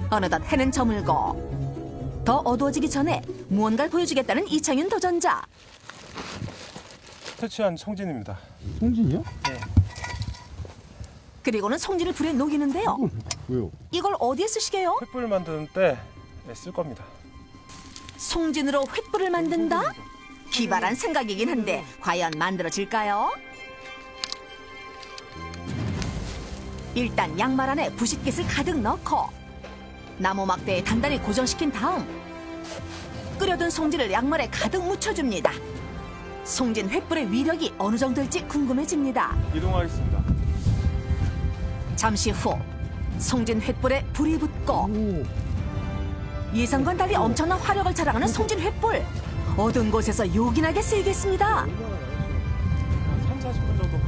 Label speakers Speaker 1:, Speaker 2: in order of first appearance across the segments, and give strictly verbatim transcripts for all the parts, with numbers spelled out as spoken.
Speaker 1: 어느덧 해는 저물고 더 어두워지기 전에 무언가를 보여주겠다는 이창윤 도전자.
Speaker 2: 퇴치한 송진입니다.
Speaker 3: 송진이요?
Speaker 2: 네.
Speaker 1: 그리고는 송진을 불에 녹이는데요.
Speaker 3: 이걸 왜요?
Speaker 1: 이걸 어디에 쓰시게요?
Speaker 2: 횃불 만드는 때 쓸 겁니다.
Speaker 1: 송진으로 횃불을 만든다? 기발한 생각이긴 한데 과연 만들어질까요? 일단 양말 안에 부싯깃을 가득 넣고 나무 막대에 단단히 고정시킨 다음 끓여둔 송진을 양말에 가득 묻혀줍니다. 송진 횃불의 위력이 어느 정도일지 궁금해집니다.
Speaker 2: 이동하겠습니다.
Speaker 1: 잠시 후 송진 횃불에 불이 붙고
Speaker 3: 오.
Speaker 1: 예상과는 달리 엄청난 화력을 자랑하는 송진 횃불. 어두운 곳에서 요긴하게 쓰이겠습니다.
Speaker 2: 한 삼, 사십 분 정도.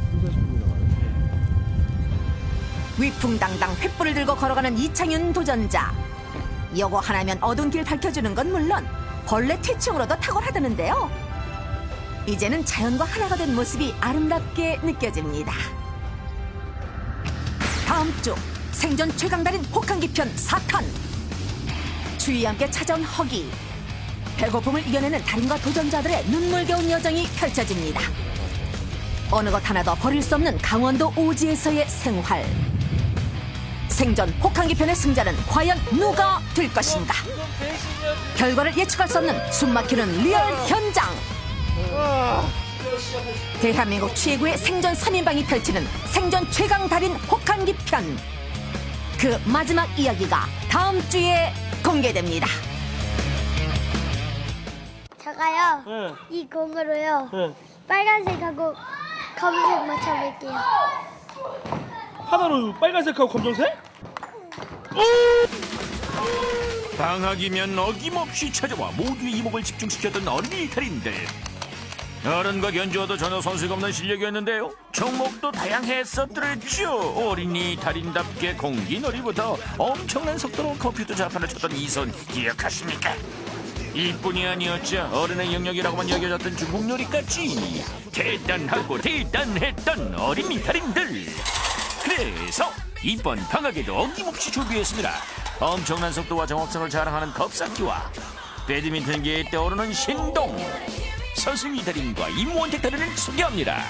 Speaker 1: 위풍당당 횃불을 들고 걸어가는 이창윤 도전자. 요거 하나면 어두운 길 밝혀주는 건 물론 벌레 퇴치용으로도 탁월하다는데요. 이제는 자연과 하나가 된 모습이 아름답게 느껴집니다. 다음 주 생존 최강달인 혹한기 편 사 탄. 추위와 함께 찾아온 허기. 배고픔을 이겨내는 달인과 도전자들의 눈물겨운 여정이 펼쳐집니다. 어느 것 하나도 버릴 수 없는 강원도 오지에서의 생활. 생존 혹한기 편의 승자는 과연 누가 될 것인가? 결과를 예측할 수 없는 숨막히는 리얼 현장. 대한민국 최고의 생존 삼 인방이 펼치는 생존 최강 달인 혹한기 편. 그 마지막 이야기가 다음 주에 공개됩니다.
Speaker 4: 제가요
Speaker 5: 네.
Speaker 4: 이 공으로요
Speaker 5: 네.
Speaker 4: 빨간색하고 검은색 맞춰볼게요.
Speaker 5: 하나로 빨간색하고 검정색?
Speaker 6: 방학이면 어김없이 찾아와 모두의 이목을 집중시켰던 어린이 달인들. 어른과 견주어도 전혀 손색 없는 실력이었는데요. 종목도 다양했었더랬죠. 어린이 달인답게 공기놀이부터 엄청난 속도로 컴퓨터 자판을 쳤던 이 손 기억하십니까? 이뿐이 아니었죠. 어른의 영역이라고만 여겨졌던 중국 요리까지 대단하고 대단했던 어린이 달인들. 그래서 이번 방학에도 어김없이 준비했습니다. 엄청난 속도와 정확성을 자랑하는 겁삭기와 배드민턴계에 떠오르는 신동 선승위 달인과 임원택 달인을 소개합니다.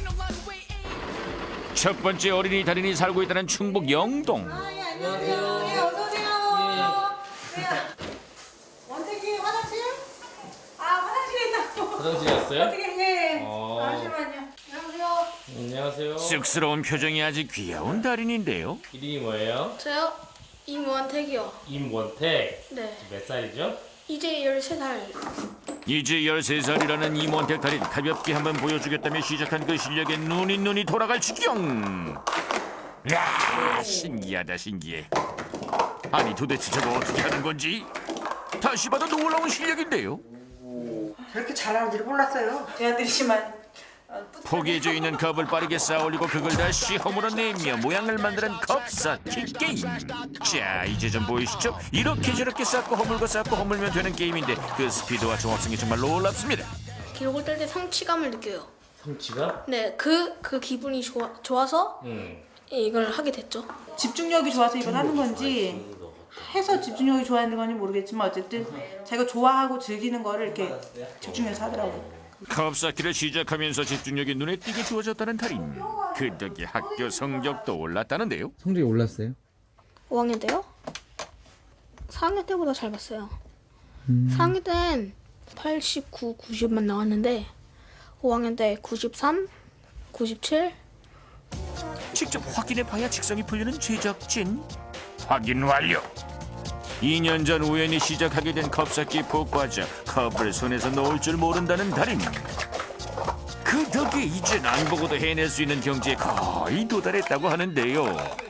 Speaker 6: 첫 번째 어린이 달인이 살고 있다는 충북 영동.
Speaker 7: 안녕하세요. 네, 어서 오세요. 네. 원택이 화장실? 아, 화장실에 있다고.
Speaker 8: 화장실에 왔어요?
Speaker 7: 어떻게 네.
Speaker 8: 어.
Speaker 7: 잠시만요. 안녕하세요.
Speaker 8: 안녕하세요.
Speaker 6: 쑥스러운 표정이 아주 귀여운 달인인데요.
Speaker 8: 이름이 뭐예요?
Speaker 9: 저요? 임원택이요.
Speaker 8: 임원택.
Speaker 9: 네.
Speaker 8: 몇 살이죠?
Speaker 9: 이제 열세 살.
Speaker 6: 이제 열세 살이라는 임원택 달인 가볍게 한번 보여주겠다며 시작한 그 실력에 눈이 눈이 돌아갈 지경. 야, 신기하다 신기해. 아니 도대체 저거 어떻게 하는 건지 다시 봐도 놀라운 실력인데요.
Speaker 7: 저렇게 잘하는 줄 몰랐어요. 제안드리지만
Speaker 6: 포개져 있는 컵을 빠르게 쌓아올리고 그걸 다시 허물어내며 모양을 만드는 컵쌓기 게임. 자, 이제 좀 보이시죠? 이렇게 저렇게 쌓고 허물고 쌓고 허물면 되는 게임인데 그 스피드와 정확성이 정말 놀랍습니다.
Speaker 9: 기록을 뗄 때 성취감을 느껴요.
Speaker 8: 성취가?
Speaker 9: 네, 그, 그 기분이 좋아, 좋아서
Speaker 8: 응.
Speaker 9: 이걸 하게 됐죠.
Speaker 7: 집중력이 좋아서 이걸 하는 건지 해서 집중력이 좋아하는 건지 모르겠지만 어쨌든 자기가 좋아하고 즐기는 거를 이렇게 집중해서 하더라고요.
Speaker 6: 컵쌓기를 시작하면서 집중력이 눈에 띄게 주어졌다는 달인. 그 덕에 학교 성적도 올랐다는데요.
Speaker 10: 성적이 올랐어요?
Speaker 9: 오 학년 때요? 사 학년 때보다 잘 봤어요. 사 학년 땐 팔십구, 구십만 나왔는데 오 학년 때 구십삼, 구십칠.
Speaker 6: 직접 확인해봐야 직성이 풀리는 제작진. 확인 완료. 이 년 전 우연히 시작하게 된 컵쌓기 복과자. 컵을 손에서 놓을 줄 모른다는 달인. 그 덕에 이젠 안 보고도 해낼 수 있는 경지에 거의 도달했다고 하는데요.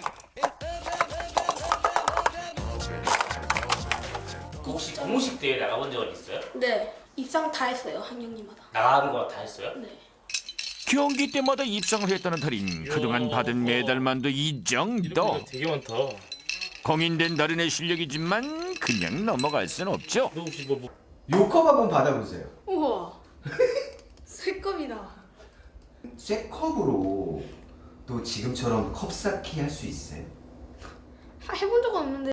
Speaker 8: 혹시 공식 대회 나가본 적은 있어요?
Speaker 9: 네, 입상 다 했어요, 한 학년마다.
Speaker 8: 나가는 거 다 했어요?
Speaker 9: 네.
Speaker 6: 경기 때마다 입상을 했다는 달인. 그동안 받은 메달만도 이 정도.
Speaker 8: 되게 많다.
Speaker 6: 공인된 달인의 실력이지만 그냥 넘어갈 순 없죠.
Speaker 8: 너 혹시 뭐, 뭐...
Speaker 3: 요컵 한번 받아보세요.
Speaker 9: 우와, 새 겁이다.
Speaker 3: 쇠컵으로 또 지금처럼 컵 쌓기 할 수 있어요?
Speaker 9: 해본 적은 없는데